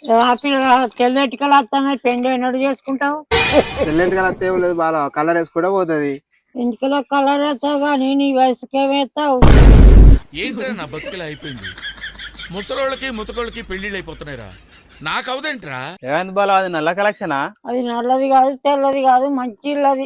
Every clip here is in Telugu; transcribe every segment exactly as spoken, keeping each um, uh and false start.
తెల్లెటికలు వస్తాయి, పెండి ఎన్నడు చేసుకుంటావు? తెల్లెంటికలు వస్తే లేదు, బాగా కలర్ వేసుకుంటే పోతుంది. ఇంటికలో కలర్ వేస్తావు కానీ నీ వయసుకేమేస్తావు? ఏంటో నా బతుకులా అయిపోయింది. ముసలోళ్ళకి ముతకోళ్ళకి పెళ్లిళ్ళు అయిపోతున్నాయిరా, నాకు అవదేంట్రా? ఏమైంది బాలా, అది నల్ల కలెక్షనా? అది నల్లది కాదు, తెల్లది కాదు, మంచి ఇల్లది.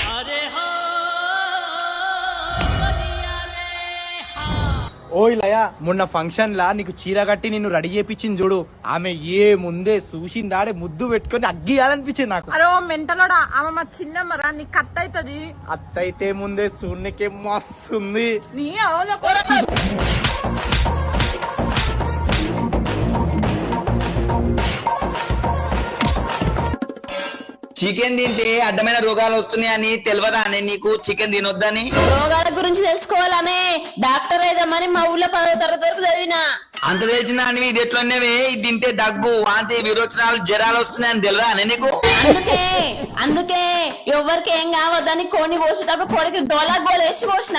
ఓ ఇలయా, మొన్న ఫంక్షన్ లా నీకు చీర కట్టి నిన్ను రెడీ చేపించింది చూడు, ఆమె ఏ ముందే చూసిందాడే ముద్దు పెట్టుకుని అగ్గియాలనిపించింది నాకు. అరే మెంటలోడా, ఆమె మా చిన్నమ్మరా, నీకు కత్త అవుతుంది. అత్తయితే ముందే సూర్యకే మస్తుంది. నీ అవులో కూడా చికెన్ తింటే అడ్డమైన రోగాలు వస్తున్నాయని తెలియదా అని నీకు? చికెన్ తినొద్దని. రోగాల గురించి తెలుసుకోవాలనే డాక్టర్ అయిదామని మా ఊళ్ళో పదో తరగతి వరకు చదివినా. అంత తెలిసిన అని ఇది ఎట్లున్నవే, ఇది తింటే దగ్గు, వాంతి, విరోచనాలు, జ్వరాలు వస్తున్నాయని తెలియదా అని నీకు? అందుకే అందుకే ఎవరికి ఏం కావద్దని కోని కోసేటప్పుడు కోడికి డోలా గోలు వేసి కోసిన.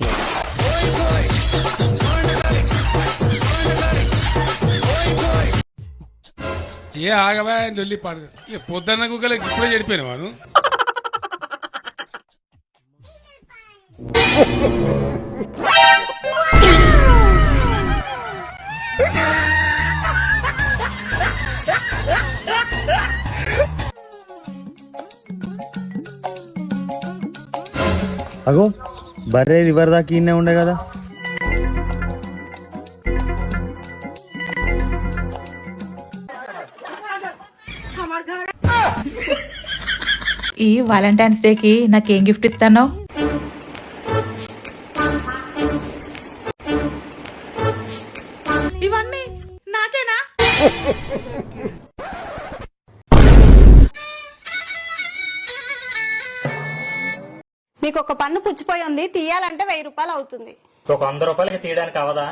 ఏ ఆగవా లొల్లి పాడు, ఇక పొద్దున్న కుక్కలకి ఇప్పుడే చెడిపోయిన వాడు. అగో బర్రే రివర్ దాకా ఇన్నే ఉండే కదా. ఈ వాలంటైన్స్ డే కి నాకేం గిఫ్ట్ ఇస్తాను? ఇవన్నీ నాకేనా? మీకు ఒక పన్ను పుచ్చిపోయి ఉంది, తీయాలంటే వెయ్యి రూపాయలు అవుతుంది. ఒక వంద రూపాయలకి తీయడానికి అవదా?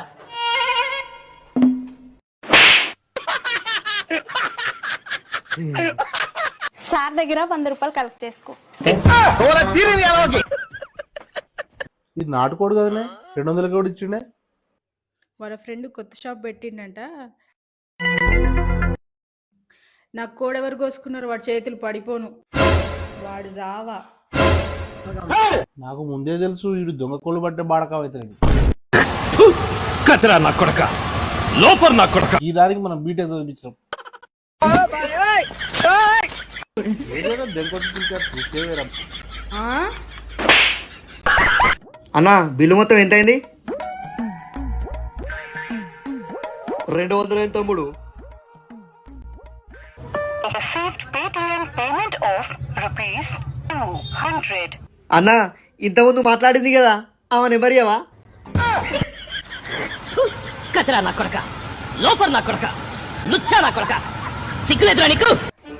సార్ దగ్గర వంద రూపాయలు కలెక్ట్ చేసుకో. ఇది నాటుకోడు కదనే, రెండు వందల కోడి ఇచ్చిండే. వాళ్ళ ఫ్రెండ్ కొత్త షాప్ పెట్టిండంట. నాకు కోడెవరు కోసుకున్నారు, వాడి చేతులు పడిపోను, వాడు జావా. నాకు ముందే తెలుసు వీడు దొంగ కోళ్ళు పట్టే బాడకా అవుతాడు. కచరా నా కొడక, లోఫర్ నా కొడక. ఈ దానికి మనం బీటెక్ చదివించాం. అన్నా బిల్లు మొత్తం ఎంత అయింది? రెండు వందల తమ్ముడు. అన్నా ఇంతకుముందు మాట్లాడింది కదా, ఆమె నెంబర్యావా? కచరా నా కొడక, లోఫర్ నా కొడక, లుచ్చా నా కొడక, సిగ్గులేదురా నీకు?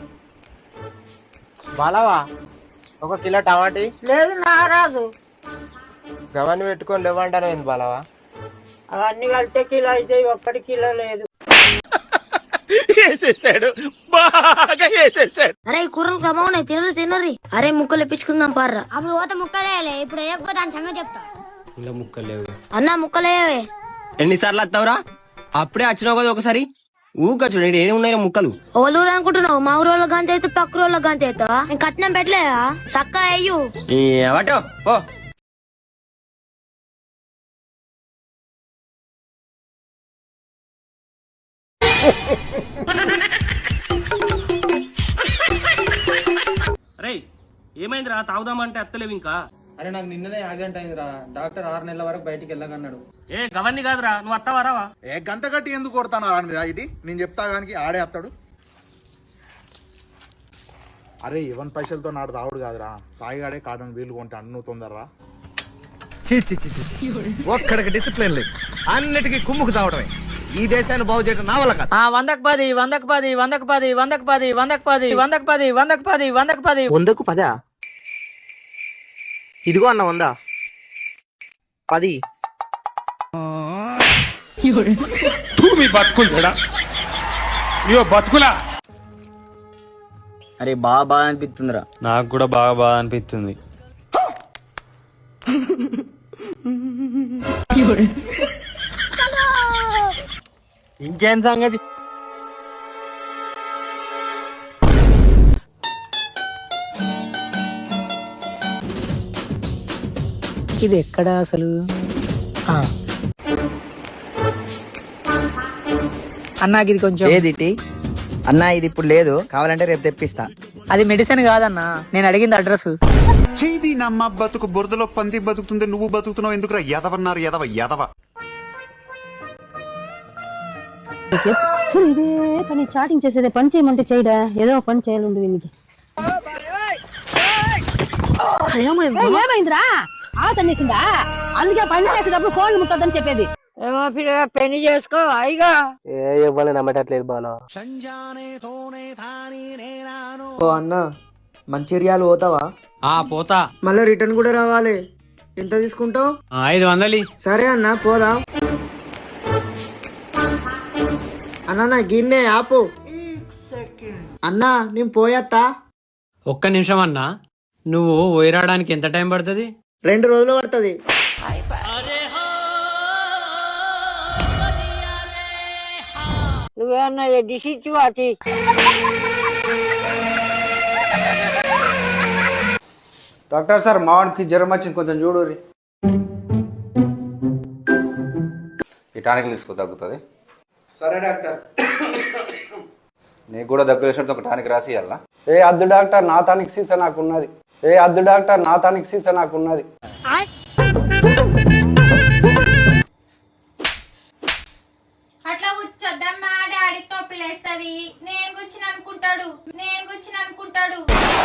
బాలావా ఒక కిలో టమాటీ లేదు నారాజు, గవన్ని పెట్టుకొని లేవంటాను. ఏంది బాలావా? అవన్నీ కలితే కిలో అయితే ఒక్కటి కిలో లేదు. వేసేసాడు, బాగా వేసేసాడు. అరే కూరలు కమావున్నాయి, తినరు తినరి. అరే ముక్కలు ఇప్పించుకుందాం పార్రా. అప్పుడు పోతే ముక్కలేలే, ఇప్పుడు వేయకపోతే దాని సంగతి చెప్తా. ఇలా ముక్కలేవు అన్నా ముక్కలేవే. ఎన్నిసార్లు వస్తావురా? అప్పుడే వచ్చినావు కదా ఒకసారి. ఊక చూడండి ఏమి ఉన్నాయో ముక్కలు. ఓలూరు అనుకుంటున్నావు? మా ఊరు వాళ్ళ గంత అయితే పక్క వాళ్ళ గంత అవుతావా? నేను కట్నం పెట్టలేదా? చక్క అయ్యు ఏవటో ఓ రే ఏమైందిరా, తాగుదామంటే అత్తలేవు ఇంకా? అరే నాకు నిన్ననే యాక్సిడెంట్ అయిందిరా, డాక్టర్ ఆరు నెలల వరకు బయటికి వెళ్ళగన్నాడు. ఏ గవన్ని కాదురా, నువ్వు అత్తవా రావా? ఏ గంత గట్టి ఎందుకు కొడతాను ఆడి మీద? ఇటీ నేను చెప్తా కానీ ఆడే వస్తాడు. అరే ఇవన్ పైసలతో నాడు తాగుడు కాదురా, సాయిగాడే కాటన్ వీలు కొంటే అన్ను తొందరరా. ఒక్కడికి డిసిప్లిన్ లేదు, అన్నిటికీ కుమ్ముకు తావడమే. ఈ దేశాన్ని బాగు చేయడం నా వల్ల కాదు. వందకు పది, వందకు పది, వందకు పది, వందకు పది, వందకు పది, వందకు పది, వందకు పది, వందకు పది. వందకు పదా? ఇదిగో అన్న వందా పది. మీ బతుకులు చెడా, ఇవో బతుకులా. అరే బాగా బాగా అనిపిస్తుందిరా. నాకు కూడా బాగా బాగా అనిపిస్తుంది. ఇంకేం సంగతి? ఇది ఎక్కడ అసలు? అన్నా ఇది కొంచెం ఏదిటి అన్నా, ఇది ఇప్పుడు లేదు, కావాలంటే రేపు తెప్పిస్తా. అది మెడిసిన్ కాదన్నా, నేను అడిగింది అడ్రస్. చేది నమ్మ బతుకు బురదలో పంది బతుకుతుంది, నువ్వు బతుకుతున్నావు ఎందుకురా? ఎదవన్నారు ఎదవ ఎదవ. ఇదే పని చాటింగ్ చేసేదే, పని చేయమంటే చేయడా, ఏదో పని చేయాలండి వీనికి. ఏమైందిరా? ఆవ తన్నేసిందా? అందుకే పని చేసేటప్పుడు ఫోన్ ముట్టొద్దని చెప్పేది. ఏమో పిల్ల పెళ్లి చేసుకో అయిగా. ఏ ఇవ్వాలి నమ్మటట్లేదు బాలా. ఓ అన్న, మంచిర్యాలు పోతావా? ఆ పోతా. మళ్ళీ రిటర్న్ కూడా రావాలి. ఎంత తీసుకుంటావు? ఐదు వందలి. సరే అన్న, పోదాం. అన్న గిన్నె ఆపు. అన్నా నేను పోయత్తా. ఒక్క నిమిషం అన్నా, నువ్వు పోయిరాడానికి ఎంత టైం పడుతుంది? రెండు రోజులు పడుతుంది. నువ్వేమన్నా డిష్ ఇచ్చి వాటి. డాక్టర్ సార్, మావాడికి జ్వరం వచ్చింది, కొంచెం చూడు. ఈ టానిక్ తీసుకో, తగ్గుతుంది. సరే డాక్టర్. నీకు కూడా దగ్గర వేసినట్టు ఒక టానిక్ రాసి ఇవ్వాలా? ఏ అద్దు డాక్టర్, నా తానికి సీసా నాకున్నది. ఏ అద్దు డాక్టర్, నా తానికి సీసా నాకున్నది. అట్లా కూర్చొద్దమ్మా, డాడీకి నొప్పి లేస్తుంది. నేను కూర్చుని అనుకుంటాడు, నేను కూర్చుని అనుకుంటాడు.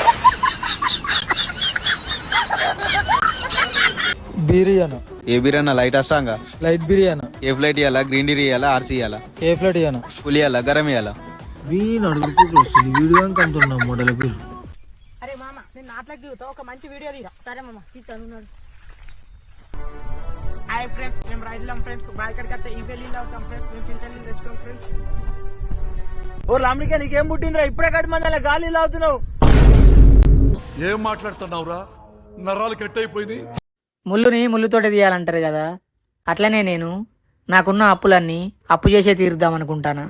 బిర్యానీ ఏ బిర్యానీ? లైట్ అష్టాంగా లైట్ బిర్యానీ. ఏ ఫ్లైట్ ఇవ్వాలా? గ్రీన్ టీ ఇవ్వాలా? ఆర్సీ ఇవ్వాలా? ఏ ప్లేట్ ఇయ్యాను? పులి ఇవ్వాలా? గరం ఇవ్వాలా? వీణు అడుగుతూ వస్తుంది, వీడియో అంటున్నా మోడల్ పేరు. అరే మామ, నేను నాట్లకి ఒక మంచి వీడియో తీరా. సరే మామ, తీస్తాను. హాయ్ ఫ్రెండ్స్, మేము రైతులం ఫ్రెండ్స్. బాయ్ కడికి వస్తే ఈ పెళ్లి అవుతాం ఫ్రెండ్స్. మేము చింతలు తెచ్చుకోం ఫ్రెండ్స్. ఓ లాంబికా, నీకేం పుట్టిందిరా? ఇప్పుడే కట్టి మంది గాలి అవుతున్నావు. ఏం మాట్లాడుతున్నావురా? నరాలు కట్ అయిపోయింది. ముళ్ళుని ముళ్ళుతోటి తీయాలంటారు కదా, అట్లనే నేను నాకున్న అప్పులన్నీ అప్పు చేసే తీరుద్దాం అనుకుంటానా.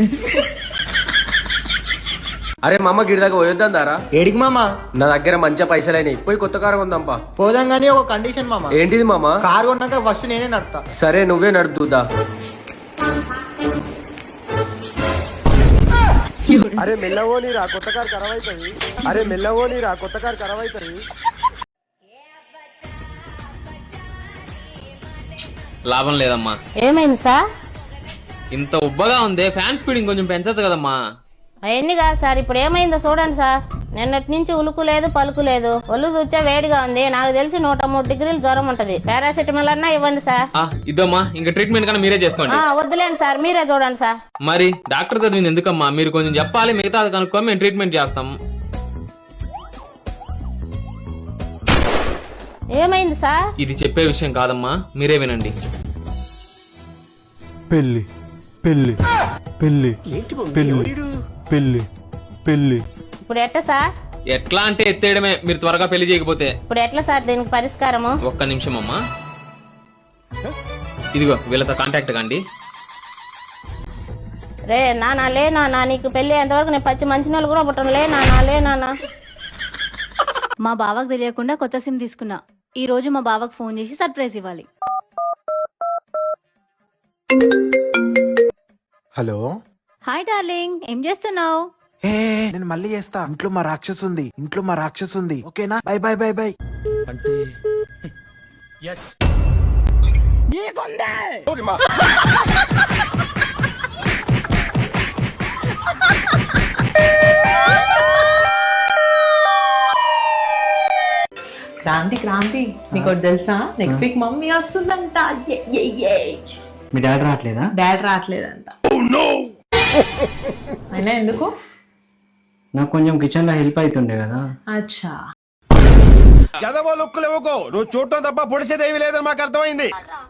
అరే మామ, గిడిదాకా పోయొద్దాం దారా. ఏడికి మామ? నా దగ్గర మంచిగా పైసలైనాయి, పోయి కొత్త కారు కొందాంపా. పోదాం గానీ ఒక కండిషన్ మామ. ఏంటిది మామ? కారు కొన్నాక ఫస్ట్ నేనే నడుపుతా. సరే, నువ్వే నడుపుదా. అరే మెల్లవో నీరా, కొత్త కారు ఖరాబ్ అవుతుంది. అరే మెల్లవో నీరా, కొత్త కారు ఖరాబ్ అవుతుంది. లాభం లేదమ్మా. ఏమైంది సార్? ఇంత ఉబ్బగా ఉంది, ఫ్యాన్ స్పీడింగ్ కొంచెం పెంచచ్చు కదమ్మా. అవన్నీ కాదు సార్, ఇప్పుడు ఏమైందో చూడండి సార్. నిన్నటి నుంచి ఉలుకు లేదు, పలుకు లేదు. ఒళ్ళు చూచా వేడిగా ఉంది. నాకు తెలిసి నూట మూడు డిగ్రీలు జ్వరం ఉంటది. పారాసిటమాల్ అన్నా ఇవ్వండి సార్. ఇద్దమ్మా, ఇంకా ట్రీట్మెంట్ కన్నా మీరే చేసుకోండి. వద్దులేండి సార్, మీరే చూడండి సార్. మరి డాక్టర్ చదివింది ఎందుకమ్మా? మీరు కొంచెం చెప్పాలి, మిగతా కనుక్కొని మేము ట్రీట్మెంట్ చేస్తాం. ఏమైంది సార్? ఇది చెప్పే విషయం కాదమ్మా, మీరే వినండి. పెళ్లి పెళ్లి పెళ్లి పెళ్లి పెళ్లి పెళ్లి. ఇప్పుడు ఎట్లా సార్? ఎట్లా అంటే ఎత్తేయడమే, మీరు త్వరగా పెళ్లి చేయకపోతే. ఇప్పుడు ఎట్లా సార్ దీనికి పరిష్కారము? ఒక్క నిమిషం అమ్మా, ఇదిగో వీళ్ళతో కాంటాక్ట్ కండి. రే నానా, లే నానా, నీకు పెళ్లి ఎంతవరకు నేను పచ్చి మంచి నెలలు కూడా పుట్టను. లే నానా, లే నానా. మా బావకు తెలియకుండా కొత్త సిమ్ తీసుకున్నా. ఈ రోజు మా బావకు ఫోన్ చేసి సర్ప్రైజ్ ఇవ్వాలి. హలో. హాయ్ డార్లింగ్, ఏం చేస్తున్నావు? ఏ నేను మళ్ళీ చేస్తా. ఇంట్లో మా రాక్షసు ఉంది, ఇంట్లో మా రాక్షసు ఉంది. ఓకేనా? Bye bye bye bye. అంటే క్రాంతి క్రాంతి, నీకు తెలుసా? నెక్స్ట్ వీక్ మమ్మీ వస్తుందంట. మీ డాడీ రావట్లేదా? డాడ్ రావట్లేదంట. అయినా ఎందుకు? నాకు కొంచెం కిచెన్ లో హెల్ప్ అవుతుండే కదా. అచ్చా. ఎదవో లుక్కులు ఇవ్వకో, నువ్వు చూడటం తప్ప పొడిసేదేవి లేదని మాకు అర్థమైంది.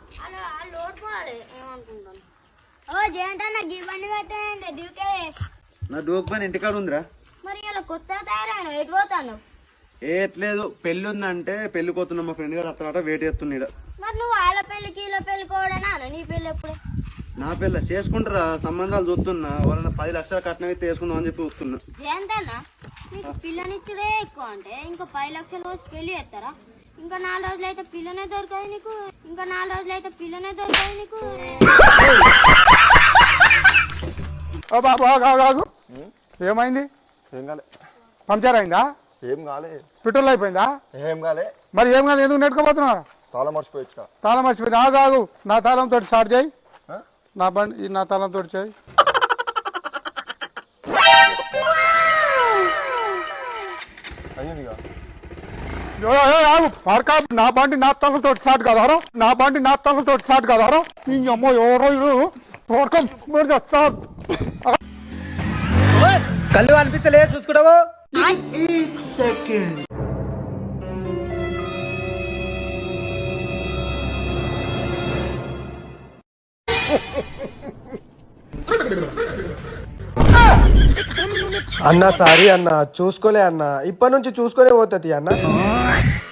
నా డోక్ పని ఇంటికాడ ఉందిరా. మరి ఇలా కొత్త తయారైన ఎటు పోతాను? ఏట్లేదు, పెళ్లి ఉందంటే పెళ్లి పోతున్నా. మా ఫ్రెండ్ గారు అతను వెయిట్ చేస్తున్నాడు. మరి నువ్వు వాళ్ళ పెళ్లికి ఇలా పెళ్లి కోవడనా? నీ పెళ్లి ఎప్పుడు? నా పెళ్ళ చేసుకుంటారా, సంబంధాలు చూస్తున్నా. వాళ్ళని పది లక్షల కట్నం అయితే వేసుకుందాం అని చెప్పి చూస్తున్నా. జయంతన్నా, నీకు పిల్లనిచ్చుడే ఎక్కువ అంటే ఇంకా పది లక్షలు వచ్చి పెళ్లి చేస్తారా? ఇంకా నాలుగు రోజులు అయితే పిల్లనే దొరకదు నీకు ఇంకా నాలుగు రోజులు అయితే పిల్లనే దొరకదు నీకు ఓ బాబు ఆగు, ఆగు, ఆగు. ఏమైంది? ఏం కాలే. పంక్చర్ అయిందా? ఏం కాలే. పెట్రోల్ అయిపోయిందా? ఏం కాలే. మరి ఏం కాదు, ఎందుకు నెట్టుకోపోతున్నారు? తాళం మర్చిపోయొచ్చు. తాళం మర్చిపోయింది. ఆగు ఆగు, నా తాళం తోటి స్టార్ట్ చేయి. నా బండి ఈ నా తాళం తోటి చేయి. అయ్యిందిగా. ఏ, ఏ, ఆగు పడక. నా బండి నా తాళం తోటి స్టార్ట్ కాదారా? నా బండి నా తాళం తోటి స్టార్ట్ కాదారా? నీ అమ్మో ఎవరో ఇడు పడకం స్టార్ట్. కళ్ళు అనిపిస్తలే చూసుకుంటావు. అన్న సారీ అన్న, చూసుకోలే అన్న, ఇప్పటి నుంచి చూసుకునే పోతుంది అన్న.